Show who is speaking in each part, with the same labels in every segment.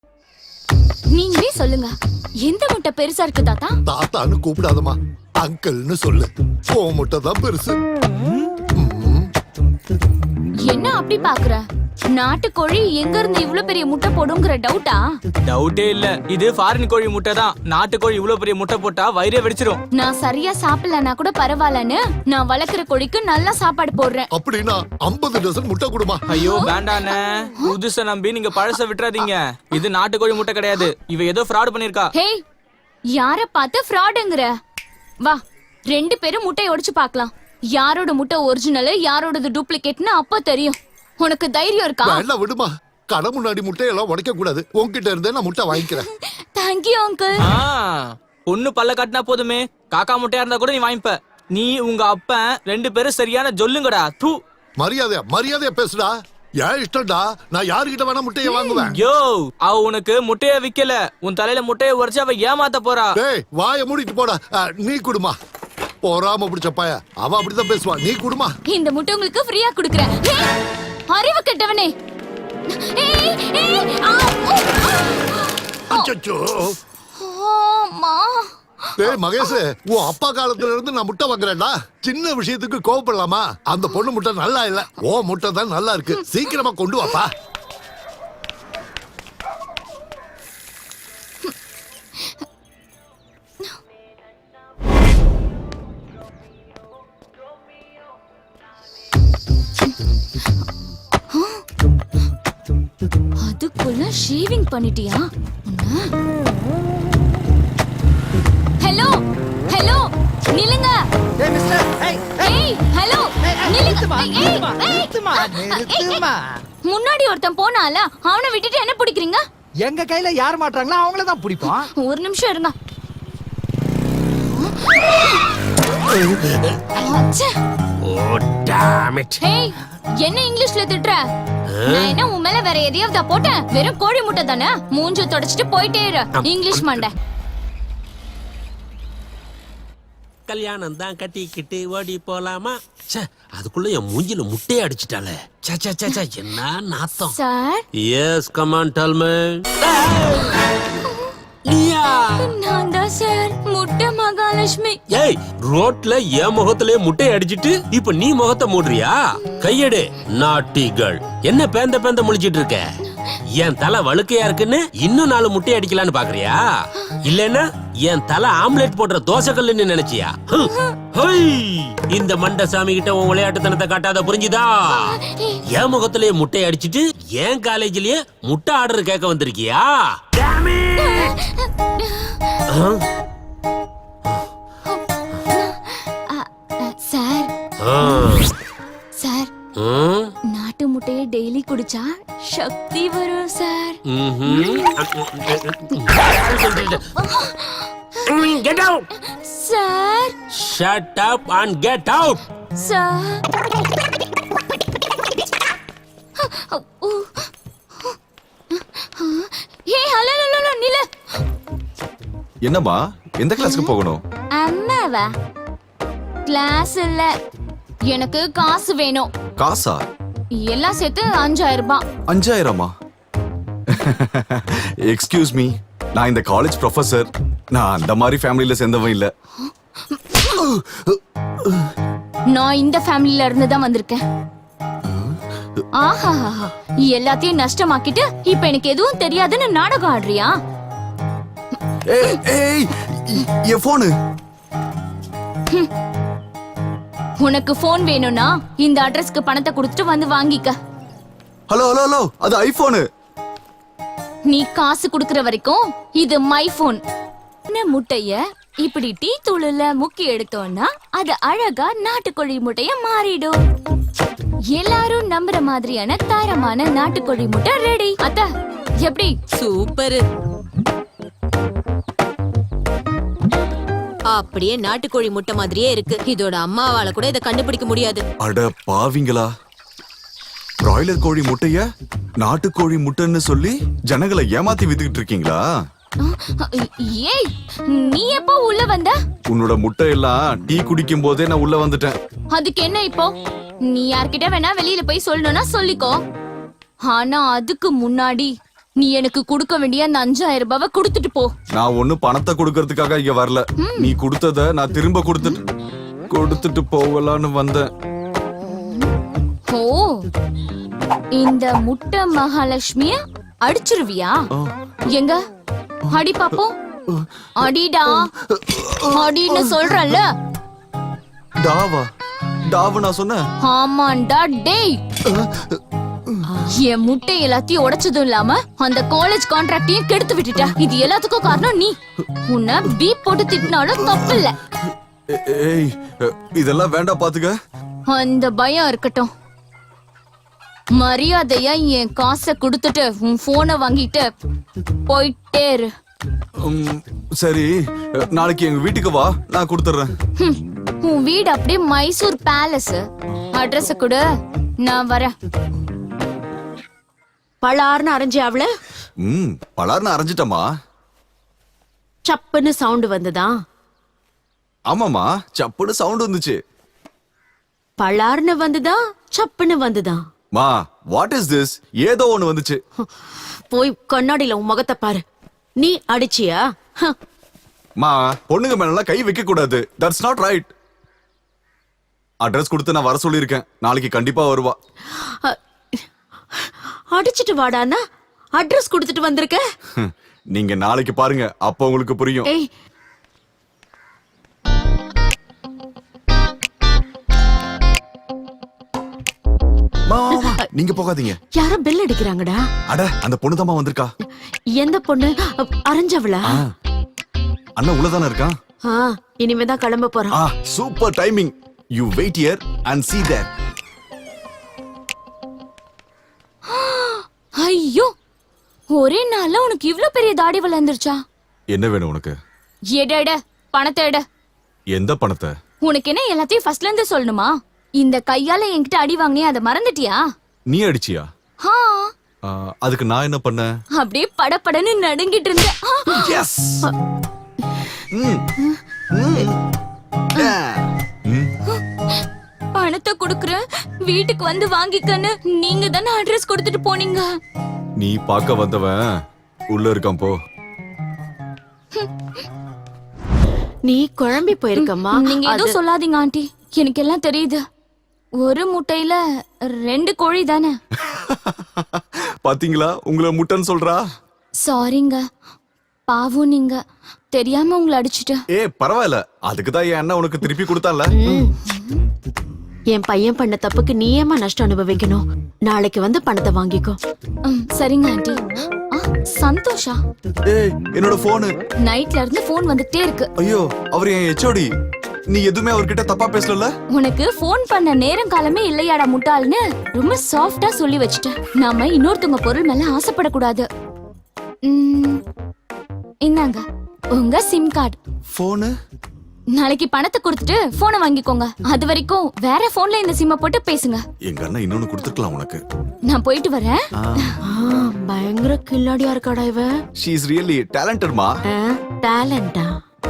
Speaker 1: நீங்களே சொல்லுங்க, எந்த முட்டை பெருசா இருக்கு தாத்தா?
Speaker 2: தாத்தான்னு கூப்பிடாதமா, அங்கிள்னு சொல்லு. ஓ முட்டை தான் பெருசு.
Speaker 1: என்ன அப்படி பாக்குற? நாட்டுக்கோழி எங்க இருந்து இவ்ளோ பெரிய முட்டை போடுங்கிற டவுட்டா?
Speaker 3: டவுட்டே இல்ல, இது ஃபாரின் கோழி முட்டை தான். நாட்டுக்கோழி இவ்ளோ பெரிய முட்டை போட்டா வயிறே வெடிச்சிரும்.
Speaker 1: நான் சரியா சாப்பிடலனா கூட பரவாயில்லன்னு நான் வளர்க்குற கோழிக்கு நல்லா சாப்பாடு போடுறேன்.
Speaker 2: அப்படின்னா 50 டசன் முட்டை கொடுமா.
Speaker 3: ஐயோ வேண்டாண்ணே, புதுசை நம்பி நீங்க பழச விட்டுறாதீங்க. இது நாட்டுக்கோழி முட்டை கிடையாது, இவ ஏதோ ஃப்ராட் பண்ணிருக்கா.
Speaker 1: ஹே, யார பார்த்து ஃப்ராடுங்கற? வா, 2 பேரும் முட்டையை உடைச்சு பார்க்கலாம். யாரோட முட்டை ஒரிஜினல், யாரோடது டூப்ளிகேட்னு அப்ப தெரியும். உனக்கு தைரியம் இருக்கா?
Speaker 2: வேண்டாம் விடுமா, கடை முன்னாடி முட்டையெல்லாம் உடைக்க கூடாது. உன்கிட்ட இருந்தே நான் முட்டை வாங்கிக்கிறேன்.
Speaker 1: Thank you uncle.
Speaker 3: பொண்ணு பல்ல கட்டினா போதுமே, காக்கா முட்டையா இருந்தா கூட நீ வாங்கிப்ப. நீ உங்க அப்பன் 2 பேரும் சரியான ஜொல்லுங்கடா. தூ,
Speaker 2: மரியாதையா பேசுடா. ஏன் இஷ்டம்டா, நான் யாருகிட்ட வேணா முட்டையை வாங்குவேன்.
Speaker 3: யோ, அவ உனக்கு முட்டைய விக்கல, உன் தலையில முட்டைய உடைச்சு அவ ஏமாத்த போறா.
Speaker 2: டேய் வாயை மூடிட்டு போடா. நீ குடுமா. போறாம பிடிச்ச பைய, அவ அப்படிதான் பேசுவா. நீ குடுமா.
Speaker 1: இந்த முட்டை உங்களுக்கு ஃப்ரீயா குடுக்குறேன். அறிவு கெட்டவனே.
Speaker 2: அச்சச்சோ.
Speaker 1: அம்மா.
Speaker 2: டேய் மகேஷ், உன் அப்பா காலத்துல இருந்து நான் முட்டை வாங்குறேன்டா. சின்ன விஷயத்துக்கு கோவப்படலாமா? அந்த பொண்ணு முட்டை நல்லா இல்ல, ஓ முட்டை தான் நல்லா இருக்கு. சீக்கிரமா கொண்டு வாப்பா.
Speaker 1: அதுக்குள்ள ஷேவிங் பண்ணிட்டியா? ஹலோ ஹலோ, நில்லுங்க.
Speaker 4: ஏய் மிஸ்டர்,
Speaker 1: ஏய் ஹலோ, நில்லுங்க.
Speaker 4: நிறுத்துமா.
Speaker 1: முன்னாடி ஒருத்தன் போனால, அவனை விட்டுட்டு என்ன பிடிக்கிறீங்க?
Speaker 4: எங்க கையில யார் மாட்டாங்களோ அவங்கள தான் பிடிப்போம்.
Speaker 1: ஒரு நிமிஷம் இருங்க. ஏய், என்ன இங்கிலீஷ்ல திட்டுற? நான் என்ன உன் மேல வேற எதையாவது போட்டேன்? வெறும் கோழி முட்டை தானே, மூஞ்ச தொடச்சிட்டு போயிட்டே இரு. இங்கிலீஷ் மண்டை.
Speaker 5: கல்யாணம் தான் கட்டிக்கிட்டு ஓடி போலாமா? ச்சே, அதுக்குள்ள என் மூஞ்சில முட்டையை அடிச்சிட்டாளே. ச்சே ச்சே ச்சே ச்சே, என்ன நாத்தம்.
Speaker 1: Sir,
Speaker 5: yes come on tell me. நீயா?
Speaker 1: நான் தான் சார், முட்டை மகாலட்சுமி.
Speaker 5: ஏய், ரோட்ல என் முகத்திலே முட்டையை அடிச்சிட்டு இப்ப நீ முகத்தை மூடுறியா? கையெடு நாட்டி கேர்ள். என்ன பேந்த பேந்த முழிச்சிட்டு இருக்க? என் தலை வழுக்கையா இருக்குன்னு இன்னும் 4 முட்டையை அடிக்கலான்னு பாக்குறியா? இல்லன்னா என் தலை ஆம்லெட் போடுற தோசை கல்லுன்னு நினைச்சியா? இந்த மண்ட சாமி கிட்ட உன் விளையாட்டுத்தனத்தை காட்டாத, புரிஞ்சுதா? என் முகத்திலேயே முட்டையை அடிச்சிட்டு என் காலேஜ்லயே முட்டை ஆர்டர் கேட்க வந்திருக்கியா?
Speaker 1: சார் சார், நாட்டு முட்டையை டெய்லி குடிச்சா சக்தி வரும் sir.
Speaker 5: Get out!
Speaker 1: Sir.
Speaker 5: Shut up and get out!
Speaker 1: Sir. ஏய் ஹலோ ஹலோ நில.
Speaker 6: என்னம்மா, எந்த கிளாஸ்க்கு போகணும்?
Speaker 1: அம்மாவா? கிளாஸ் இல்ல, எனக்கு காசு வேணும்.
Speaker 6: காசா?
Speaker 1: எல்லாம் சேர்த்து 5000 ரூபாய்.
Speaker 6: 5000மா? எக்ஸ்கியூஸ் மீ, நான் இந்த காலேஜ் ப்ரொஃபசர். நான் அந்த மாதிரி ஃபேமிலில சேர்ந்தவன் இல்ல.
Speaker 1: நான் இந்த ஃபேமிலில இருந்து தான் வந்திருக்கேன். ஆஹா, எல்லாத்தையும் நஷ்டமாக்கிட்டு இப்ப எனக்கு எதுவும் தெரியாதுன்னு நாடகம் ஆடுறியா?
Speaker 6: ஏய் ஏய், என் போன்.
Speaker 1: உனக்கு போன் வேணும்னா இந்த அட்ரஸ்க்கு பணத்தை கொடுத்துட்டு வந்து வாங்கிக்க.
Speaker 6: ஹலோ ஹலோ ஹலோ, அது ஐபோன்.
Speaker 1: நீ காசு குடுக்கற வரைக்கும் இது மை போன். முட்டைய இப்படி டீ தூளுல முக்கி எடுத்தோம்னா அது அழகா நாட்டுக்கோழி முட்டைய மாறிடும். எல்லாரும் நம்புற மாதிரியான தரமான நாட்டுக்கோழி முட்டை ரெடி. அத்த எப்படி?
Speaker 7: சூப்பர். அப்படியே நாட்டுக்கோழி முட்டை மாதிரியே இருக்கு. இதோட அம்மாவால கூட இதை கண்டுபிடிக்க முடியாது.
Speaker 6: அட பாவிங்களா, பிராய்லர் கோழி முட்டைய நாட்டுக்கோழி முட்டைன்னு சொல்லி ஜனங்களை ஏமாத்தி வித்துக்கிட்டு இருக்கீங்களா?
Speaker 1: ஏய், நீ எப்போ உள்ள வந்த?
Speaker 6: உன்னோட முட்டை எல்லாம் டீ குடிக்கும் போதே நான் உள்ள வந்துட்டேன்.
Speaker 1: அதுக்கு என்ன இப்போ? நீ யார்கிட்ட வேணா வெளியில போய் சொல்லணும்னா சொல்லிக்கோ. ஆனா அதுக்கு முன்னாடி நீ எனக்கு கொடுக்க வேண்டிய அந்த 5000 ரூபாவை கொடுத்துட்டு போ.
Speaker 6: நான் ஒண்ணும் பணத்தை கொடுக்கறதுக்காக இங்க வரல. நீ கொடுத்தத நான் திரும்ப கொடுத்துட்டு போகலான்னு வந்தேன்.
Speaker 1: ஓ, இந்த முட்டை மகாலட்சுமிய அடிச்சிருவியா? எங்க அடி பாப்போம். அடிடா, அடின்னு சொல்றல்ல.
Speaker 6: டாவு நான் சொன்னேன்.
Speaker 1: ஆமாண்டா டேய். என் முட்டை எல்லாத்தையும் உடைச்சதும் இல்லாம அந்த காலேஜ் கான்ட்ராக்டையும் கெடுத்து விட்டுட்ட. இது எல்லாத்துக்கும் காரணம் நீ. உன்னை பீப் போட்டு திட்டினாலும் தப்பு இல்ல.
Speaker 6: ஏய், இதெல்லாம் வேண்டாம் பாத்துக்க.
Speaker 1: அந்த பயம் இருக்கட்டும். மரியாதையா என் காசை கொடுத்துட்டு உன் போனை வாங்கிட்டு போயிட்டே இரு.
Speaker 6: சரி, நாளைக்கு எங்க வீட்டுக்கு வா, நான் கொடுத்துறேன்.
Speaker 1: உன் வீடு அப்படியே மைசூர் பேலஸ். அட்ரஸ் கொடு, நான் வரேன்.
Speaker 7: பலார்னு அரைஞ்சி அவள
Speaker 6: பலார்னு அரைஞ்சிட்டமா?
Speaker 7: சப்புன்னு சவுண்ட் வந்துதா?
Speaker 6: ஆமாமா, சப்புன்னு சவுண்ட் வந்துச்சு.
Speaker 7: பலார்னு வந்துதா சப்புன்னு வந்துதா?
Speaker 6: மா, வாட் இஸ் திஸ்? ஏதோ ஒண்ணு வந்துச்சு.
Speaker 7: போய் கண்ணாடியில உன் முகத்தை பாரு. நீ அடிச்சியா?
Speaker 6: மா, பொண்ணுங்க மேல கை வைக்க கூடாது. That's not right. அட்ரஸ் கொடுத்து நான் வர சொல்லியிருக்கேன். நாளைக்கு கண்டிப்பா வருவா.
Speaker 7: அடிச்சிட்டு வாடான்னா அட்ரஸ் கொடுத்துட்டு வந்திருக்க.
Speaker 6: நீங்க நாளைக்கு பாருங்க, அப்ப உங்களுக்கு புரியும்.
Speaker 7: ஏய்,
Speaker 6: நீங்க போகாதீங்க.
Speaker 7: யாரோ பெல் அடிக்கிறாங்கடா.
Speaker 6: அட, அந்த பொண்ணு தாமா வந்திருக்கா.
Speaker 7: எந்த பொண்ணு? அரைஞ்சவளா?
Speaker 6: அண்ணா உள்ளதானே இருக்கான்.
Speaker 7: இனிமேதான் கிளம்ப போறான்.
Speaker 6: Super timing. You wait here and see there.
Speaker 1: ஐயோ, ஒரே நாள்ல உனக்கு இவ்ளோ பெரிய தாடி வளர்ந்துருச்சா?
Speaker 6: என்ன வேணும் உனக்கு?
Speaker 1: எட பணத்தை எட.
Speaker 6: எந்த பணத்தை?
Speaker 1: உனக்கு என்ன எல்லாத்தையும் ஃபர்ஸ்ட்ல இருந்து சொல்லணுமா? இந்த கையால என்கிட்ட அடி வாங்கினே, அதை மறந்துட்டியா?
Speaker 6: நீ அடிச்சியா? அதுக்கு நான் என்ன பண்ணேன்?
Speaker 1: அப்படியே படபடன்னு நடுங்கிட்டு இருந்தேன்.
Speaker 6: எஸ்.
Speaker 1: பணத்தை கொடுக்குறேன், வீட்டுக்கு வந்து வாங்கிக்கன்னு நீங்க தானே அட்ரஸ் கொடுத்துட்டு போனீங்க.
Speaker 6: நீ பார்க்க வந்தவன் உள்ள இருக்கான், போ.
Speaker 7: நீ குழம்பி போயிருக்கம்மா.
Speaker 1: நீங்க எதுவும் சொல்லாதீங்க ஆண்டி, எனக்கு எல்லாம் தெரியுது. ஒரு முட்டையில 2 கோழி தானே.
Speaker 6: பாத்தீங்களா, உங்களை முட்டைன்னு சொல்றா.
Speaker 1: சாரிங்க, பாவம், நீங்க தெரியாம உங்களை அடிச்சுட்டேன்.
Speaker 6: பரவாயில்ல, அதுக்குதான் என் அண்ணன் உனக்கு திருப்பி கொடுத்தான்ல.
Speaker 7: என் பையன் பண்ண தப்புக்கு நீ ஏமா நஷ்டம் அனுபவிக்கணும்? நாளைக்கு வந்து பணத்தை வாங்கிக்கோ.
Speaker 1: சரிங்க ஆண்டி. சந்தோஷா,
Speaker 6: என்னோட போனு
Speaker 1: நைட்ல இருந்து போன் வந்துட்டே இருக்கு.
Speaker 6: ஐயோ, அவர் என் ஹெச்ஓடி. நீ எதுவுமே அவர்கிட்ட தப்பா பேசல. உனக்கு
Speaker 1: போன் பண்ண நேரம் காலமே இல்லையாடா முட்டாள்னு ரொம்ப சாஃப்டா சொல்லி வச்சுட்டேன். நாம இன்னொருத்தவங்க பொருள் மேல ஆசைப்படக்கூடாது. இந்தாங்க உங்க சிம் கார்டு.
Speaker 6: போனு
Speaker 1: நாளைக்கு பணத்தை கொடுத்துட்டு போனை வாங்கிக்கோங்க. அது வரைக்கும் வேற போன்ல இந்த சிம்ம போட்டு பேசுங்க.
Speaker 6: எங்க அண்ணன் இன்னொன்னு கொடுத்துக்கலாம் உனக்கு.
Speaker 1: நான் போயிட்டு வரேன்.
Speaker 7: பயங்கர கில்லாடியா இருக்காடா இவ.
Speaker 6: she is really talented மா.
Speaker 7: டேலண்டா?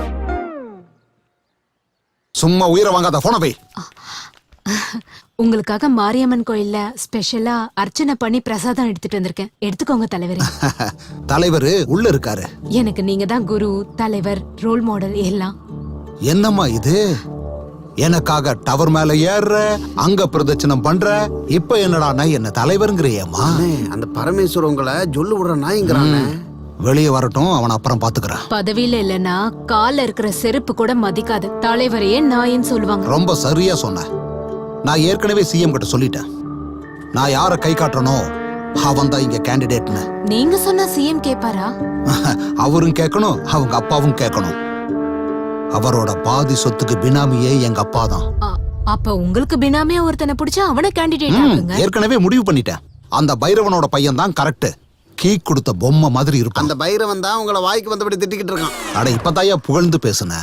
Speaker 2: சும்மா உயிரை வாங்காத, போன போய்.
Speaker 8: உங்களுக்காக மாரியம்மன் கோயில்ல ஸ்பெஷலா அர்ச்சனை பண்ணி பிரசாதம் எடுத்துட்டு வந்திருக்கேன். எடுத்துக்கோங்க தலைவரே.
Speaker 2: தலைவர் உள்ள இருக்காரு.
Speaker 8: எனக்கு நீங்க தான் குரு, தலைவர், ரோல் மாடல் எல்லாம்.
Speaker 2: என்னம்மா இது? எனக்காக டவர் மேல ஏறுற, அங்க பிரதட்சணம் பண்ற, இப்ப என்னடா என்ன தலைவருங்கிறியம்மா?
Speaker 9: அந்த பரமேஸ்வர உங்களை சொல்லு விடுற நாய்ங்கிறாங்க.
Speaker 2: வெளியே வரட்டும், அவன் அப்புறம் பாத்துக்கிறேன்.
Speaker 8: பதவியில இல்லனா கால்ல இருக்கிற செருப்பு கூட மதிக்காது. தலைவரையே நாயின்னு சொல்லுவாங்க.
Speaker 2: ரொம்ப சரியா சொன்ன. நான் ஏற்கனவே சிஎம் கிட்ட சொல்லிட்டேன். நான் யார கை காட்டுறனோ அவன் தான் இங்க கேண்டிடேட்னு.
Speaker 8: நீங்க சொன்னா சிஎம் கேப்பாரா?
Speaker 2: அவரும் கேட்கணும், அவங்க அப்பாவும் கேட்கணும். அவரோட பாதி சொத்துக்கு பினாமியே எங்க அப்பா தான்.
Speaker 8: அப்ப உங்களுக்கு பினாமியா ஒருத்தனை பிடிச்சா அவனை கேண்டிடேட் ஆக்குங்க.
Speaker 2: ஏற்கனவே முடிவு பண்ணிட்டேன். அந்த பைரவனோட பையன் தான் கரெக்ட். கீ கொடுத்த பொம்மை மாதிரி இருப்பான்.
Speaker 9: அந்த பைரவன் தான் உங்களை வாய்க்கு வந்தபடி திட்டிக்கிட்டு இருக்கான்.
Speaker 2: அட, இப்பதாயா புகழ்ந்து பேசுன.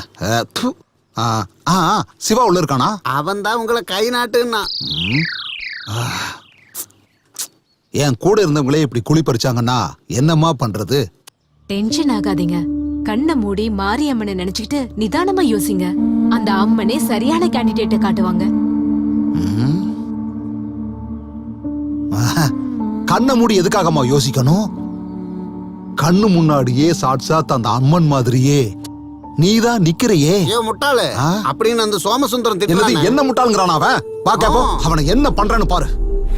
Speaker 2: சிவா உள்ள இருக்கானா?
Speaker 9: அவன் தான் உங்களை கை நாட்டுன்னா.
Speaker 2: என் கூட இருந்தவங்களே இப்படி குழி பறிச்சாங்கன்னா என்னம்மா பண்றது?
Speaker 8: டென்ஷன் ஆகாதீங்க. கண்ணை மூடி மாரியம்மனை நினைச்சுக்கிட்டு நிதானமா யோசிங்க. அந்த அம்மனே சரியான கேண்டிடேட்டை காட்டுவாங்க.
Speaker 2: கண்ணை மூடி எதுக்காகம்மா யோசிக்கணும்?
Speaker 10: கண்ணு முன்னாடியே சாட்சாத் அந்த அம்மன் மாதிரியே நீதான் நிக்கிறையே.
Speaker 9: ஏ முட்டாளு
Speaker 10: ஆ?
Speaker 9: அப்படின்னு அந்த சோமசுந்தரம்
Speaker 10: என்னது
Speaker 9: திட்டுறானே.
Speaker 10: என்ன முட்டாளுங்கிறான் அவன்? பாக்கப்போ அவனை என்ன பண்றான்னு பாரு.